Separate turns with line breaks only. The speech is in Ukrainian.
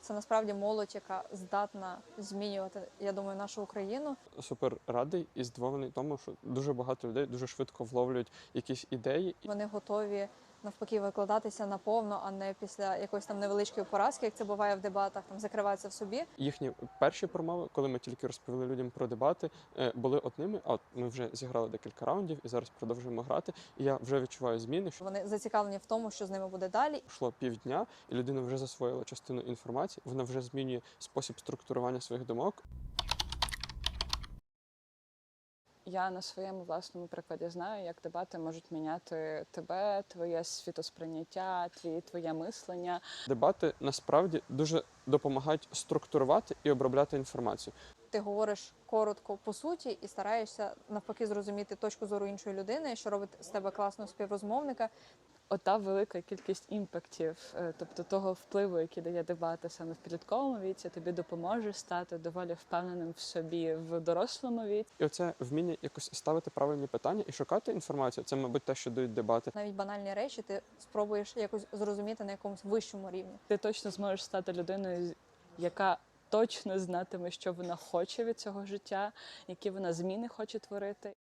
Це насправді молодь, яка здатна змінювати, я думаю, нашу Україну.
Супер радий і здивований тому, що дуже багато людей дуже швидко вловлюють якісь ідеї.
Вони готові навпаки викладатися наповно, а не після якоїсь там невеличкої поразки, як це буває в дебатах, там закриватися в собі.
Їхні перші промови, коли ми тільки розповіли людям про дебати, були одними. А от ми вже зіграли декілька раундів і зараз продовжуємо грати. І я вже відчуваю зміни. Що
Вони зацікавлені в тому, що з ними буде далі.
йшло півдня, і людина вже засвоїла частину інформації. Вона вже змінює спосіб структурування своїх думок.
Я на своєму власному прикладі знаю, як дебати можуть міняти тебе, твоє світосприйняття, твоє мислення.
Дебати насправді дуже допомагають структурувати і обробляти інформацію.
Ти говориш коротко по суті і стараєшся навпаки зрозуміти точку зору іншої людини, що робить з тебе класного співрозмовника.
Ота велика кількість імпактів, тобто того впливу, який дає дебати саме в підлітковому віці, тобі допоможе стати доволі впевненим в собі в дорослому віці.
І оце вміння якось ставити правильні питання і шукати інформацію. Це, мабуть, те, що дають дебати.
Навіть банальні речі ти спробуєш якось зрозуміти на якомусь вищому рівні.
Ти точно зможеш стати людиною, яка точно знатиме, що вона хоче від цього життя, які вона зміни хоче творити.